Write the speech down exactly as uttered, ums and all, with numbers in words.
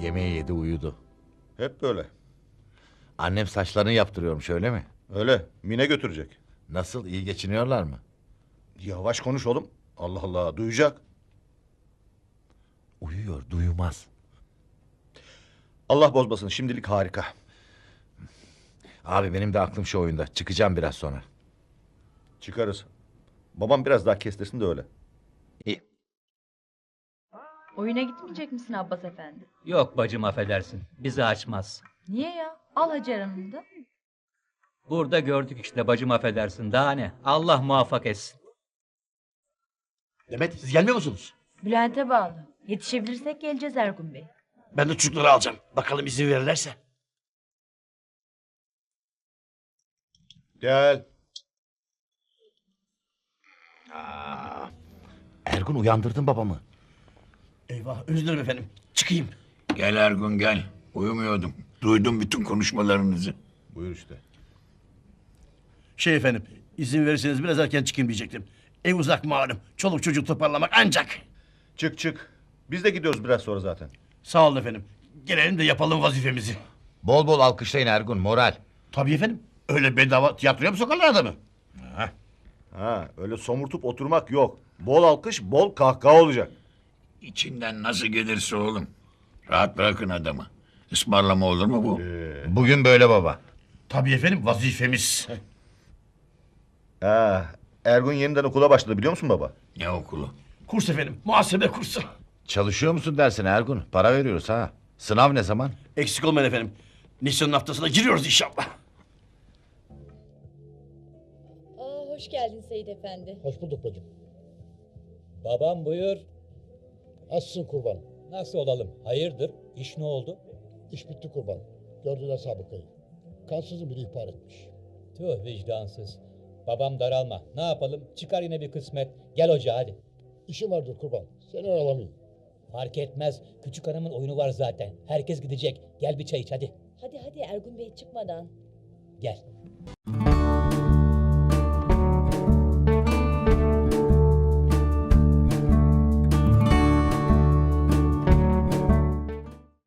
Yemeği yedi uyudu. Hep böyle. Annem saçlarını yaptırıyormuş öyle mi? Öyle. Mine götürecek. Nasıl, iyi geçiniyorlar mı? Yavaş konuş oğlum. Allah Allah, duyacak. Uyuyor, duymaz. Allah bozmasın, şimdilik harika. Abi benim de aklım şu oyunda. Çıkacağım biraz sonra. Çıkarız. Babam biraz daha kestirsin de öyle. İyi. Oyuna gitmeyecek misin Abbas efendi? Yok bacım affedersin. Bizi açmaz. Niye ya? Al Hacer Hanım'ı da. Burada gördük işte bacım affedersin. Daha ne? Allah muvaffak etsin. Demet siz gelmiyor musunuz? Bülent'e bağlı. Yetişebilirsek geleceğiz Ergun Bey. Ben de çocukları alacağım. Bakalım izin verirlerse. Gel. Ergun uyandırdın babamı. Eyvah özür dilerim efendim. Çıkayım. Gel Ergun gel. Uyumuyordum. Duydum bütün konuşmalarınızı. Buyur işte. Şey efendim izin verirseniz biraz erken çıkayım diyecektim. Ev uzak malum. Çoluk çocuk toparlamak ancak. Çık çık. Biz de gidiyoruz biraz sonra zaten. Sağ olun efendim. Gelelim de yapalım vazifemizi. Bol bol alkışlayın Ergun, moral. Tabii efendim. Öyle bedava tiyatroya mı sokarlar adamı? Ha, öyle somurtup oturmak yok. Bol alkış, bol kahkaha olacak. İçinden nasıl gelirse oğlum. Rahat bırakın adamı. Ismarlama olur mu bu? Bugün böyle baba. Tabii efendim vazifemiz. Ha, Ergun yeniden okula başladı biliyor musun baba? Ne okulu? Kurs efendim. Muhasebe kursu. Çalışıyor musun dersine Ergun? Para veriyoruz ha. Sınav ne zaman? Eksik olmayın efendim. Nisan'ın haftasına giriyoruz inşallah. Aa, hoş geldin Seyit Efendi. Hoş bulduk bacım. Babam buyur. Nasılsın kurban? Nasıl olalım? Hayırdır? İş ne oldu? İş bitti kurban. Gördüler sabıkayı. Kansızın biri ihbar etmiş. Tüh vicdansız. Babam daralma. Ne yapalım? Çıkar yine bir kısmet. Gel ocağa hadi. İşim vardır kurban. Seni aralamayayım. Fark etmez. Küçük hanımın oyunu var zaten. Herkes gidecek. Gel bir çay iç hadi. Hadi hadi Ergun Bey çıkmadan. Gel.